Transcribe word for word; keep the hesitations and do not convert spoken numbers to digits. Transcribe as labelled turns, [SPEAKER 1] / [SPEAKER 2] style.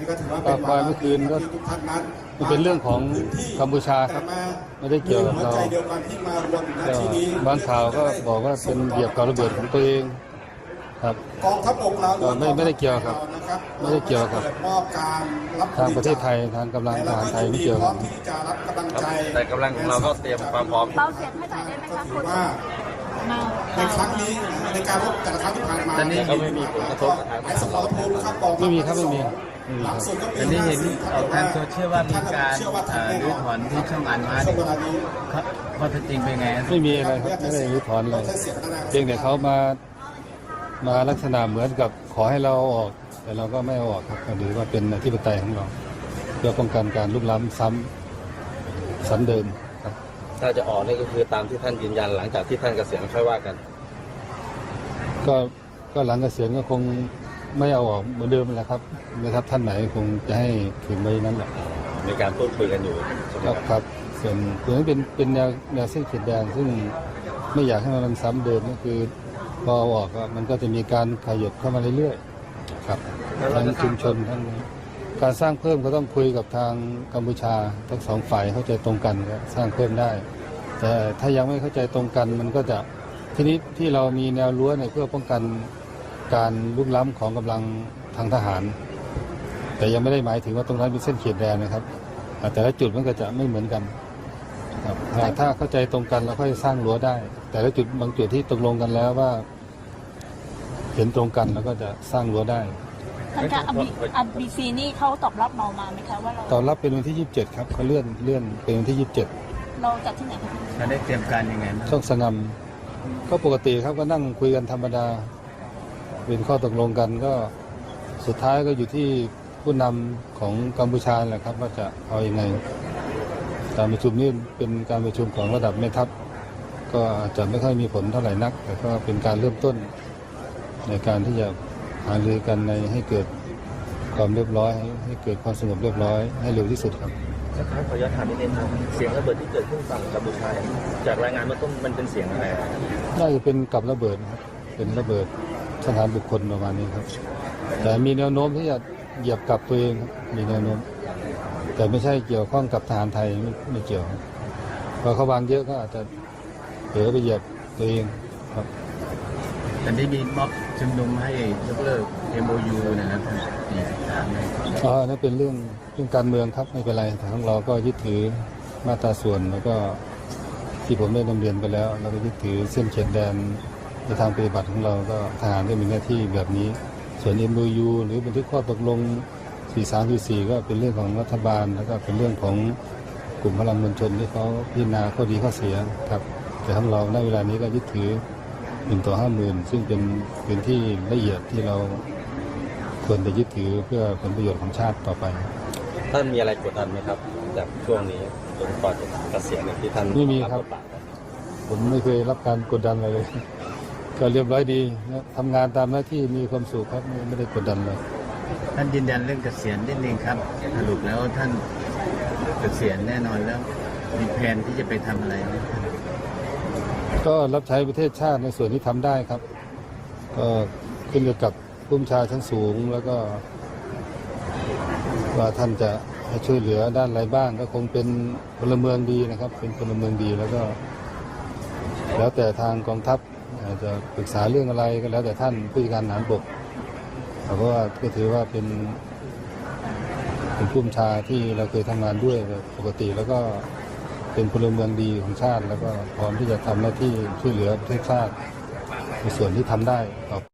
[SPEAKER 1] ก็ควายเมื่อคืนก็มันเป็นเรื่องของกัมพูชาครับไม่ได้เกี่ยวกับเราบางข่าวก็บอกว่าเป็นเหยียบกับระเบิดของตัวเองครับกองทัพบกเราไม่ไม่ได้เกี่ยวครับไม่ได้เกี่ยวกับทางประเทศไทยทางกำลังทหารไทยไม่เกี่ยวกัน
[SPEAKER 2] แต่กำลังของเราก็เตรียมความพร้อม
[SPEAKER 3] เบาเสียงให้หน่อยได้ไหมคะคุณ
[SPEAKER 4] ในครั้งนี้ในการรบแต่ละครั้งที่ผ่านมา
[SPEAKER 2] ตอนนี้ก็ไม่มีผลกระทบ
[SPEAKER 4] ไอ้สมรภูมิครับกอง
[SPEAKER 1] ไม่มีครับไม่มี
[SPEAKER 5] อันนี้เห็นออกทางโซเชียลว่ามีการรื้อถอนที่ช่องอันมาเนี่ยข้อเท็จจริงเป็นไง
[SPEAKER 1] ไม่มีอะไรครับไม่ได้รื้อถอนเลยเพียงแต่เขามามาลักษณะเหมือนกับขอให้เราออกแต่เราก็ไม่ออกครับหรือว่าเป็นอธิปไตยของเราเพื่อป้องกันการลุกล้ำซ้ำซ้ำเดิมครับ
[SPEAKER 2] ถ้าจะออกนี่ก็คือตามที่ท่านยืนยันหลังจากที่ท่านเกษียณค่อยว่ากัน
[SPEAKER 1] ก็ก็หลังเกษียณก็คงไม่เอาออกเหมือนเดิมแหละครับนะครับท่านไหนคงจะให้ถึงไว้นั้นแหละ
[SPEAKER 2] มีการพูดคุยกันอยู่
[SPEAKER 1] ครับครับส่วนตัวนี้เป็นเป็นแนวแนวเส้นขีดแดงซึ่งไม่อยากให้มันซ้ำเดิมก็คือพอเอาออกมันก็จะมีการขยับเข้ามาเรื่อยๆครับทั้งชุมชนทั้งการสร้างเพิ่มก็ต้องคุยกับทางกัมพูชาทั้งสองฝ่ายเข้าใจตรงกันก็สร้างเพิ่มได้แต่ถ้ายังไม่เข้าใจตรงกันมันก็จะทีนี้ที่เรามีแนวรั้วเนี่ยเพื่อป้องกันการลุกล้ำของกำลังทางทหารแต่ยังไม่ได้หมายถึงว่าตรงนั้นเป็นเส้นขีดแดนนะครับแต่ละจุดมันก็จะไม่เหมือนกันครับถ้าเข้าใจตรงกันเราค่อยสร้างรั้วได้แต่ละจุดบางจุดที่ตกลงกันแล้วว่าเห็นตรงกันแล้วก็จะสร้างรั้วได้
[SPEAKER 3] ทางการอัดบีซีนี่เขาตอบรับเรามาไหมคะว่าเรา
[SPEAKER 1] ตอบรับเป็นวันที่ยี่สิบเจ็ดครับเขาเลื่อนเลื่อนเป็นวันที่ยี่สิบเจ็ด
[SPEAKER 3] เราจัดที่ไหนคะ
[SPEAKER 5] เราได้เตรียมการยังไง
[SPEAKER 1] ช่องสงามก็ปกติครับก็นั่งคุยกันธรรมดาเป็นข้อตกลงกันก็สุดท้ายก็อยู่ที่ผู้นำของกัมพูชาแหละครับว่าจะเอาอยัางไงการประชุมนี้เป็นการประชุมของระดับแม่ทัพก็อาจจะไม่ค่อยมีผลเท่าไหร่นักแต่ก็เป็นการเริ่มต้นในการที่จะหารือกันในให้เกิดความเรียบร้อยให้เกิดความสงบเรียบร้อยให้เร็วที่สุดครับ
[SPEAKER 2] ครับขออนุญาตถามนิดนึงครับเสียงระเบิดที่เกิดขึ้นฝั่งกัมพูชาจากรายงานเมื่อต้นมันเป็นเสียงอะไร
[SPEAKER 1] น่าจะเป็นกับระเบิดครับเป็นระเบิดสถานบุคคลประมาณนี้ครับแต่มีแนวโน้มที่จะเหยียบกับตัวเองมีแนวโน้มแต่ไม่ใช่เกี่ยวข้องกับทหารไทยไม่ไม่เกี่ยวพอเขาวางเยอะก็อาจจะเผลอไปเหยียบตัวเองครับ
[SPEAKER 5] แต่ได้มีม็อบชุมนุมให้ยกเลิก เอ็ม โอ ยู นะครับสี่สิบสาม
[SPEAKER 1] อ๋อนั่นเป็นเรื่องเรื่องการเมืองครับไม่เป็นไรแต่ของเราก็ยึดถือมาตราส่วนแล้วก็ที่ผมได้นำเรียนไปแล้วเราก็ยึดถือเส้นเขตแดนในทางปฏิบัติของเราก็ทหารก็มีหน้าที่แบบนี้ส่วน เอ็ม โอ ยู หรือบันทึกข้อตกลงสี่สามสี่สี่ก็เป็นเรื่องของรัฐบาลแล้วก็เป็นเรื่องของกลุ่มพลังมวลชนที่เขาพิจารณาข้อดีข้อเสียครับแต่ของเราในเวลานี้ก็ยึดถือหนึ่งต่อห้าหมื่นซึ่งเป็นเป็นที่ละเอียดที่เราควรจะยึดถือเพื่อผลประโยชน์ของชาติต่อไป
[SPEAKER 2] ท่านมีอะไรกดดันไหมครับจากช่วงนี้จนก่อนจะเกษียณที่ท่าน
[SPEAKER 1] ไม่มีครับผมไม่เคยรับการกดดันอะไรเลยก็เรียบร้อยดีนะทำงานตามหน้าที่มีความสุขครับไม่ได้กดดันเลย
[SPEAKER 5] ท่านยืนยันเรื่องเกษียณนิดนึงครับสรุปแล้วท่านเกษียณแน่นอนแล้วมีแผนที่จะไปทำอะไรไหม
[SPEAKER 1] ก็รับใช้ประเทศชาติในส่วนที่ทำได้ครับก็ขึ้นอยู่กับผู้บัญชาการชั้นสูงแล้วก็ว่าท่านจะให้ช่วยเหลือด้านอะไรบ้างก็คงเป็นพลเมืองดีนะครับเป็นพลเมืองดีแล้วก็แล้วแต่ทางกองทัพอาจจะปรึกษาเรื่องอะไรก็แล้วแต่ท่านผู้จัดการทหารบกเพราะว่าก็ถือว่าเป็นเป็นผู้บัญชาที่เราเคยทำงานด้วยปกติแล้วก็เป็นพลเมืองดีของชาติแล้วก็พร้อมที่จะทำหน้าที่ช่วยเหลือประเทศชาติในส่วนที่ทำได้ครับ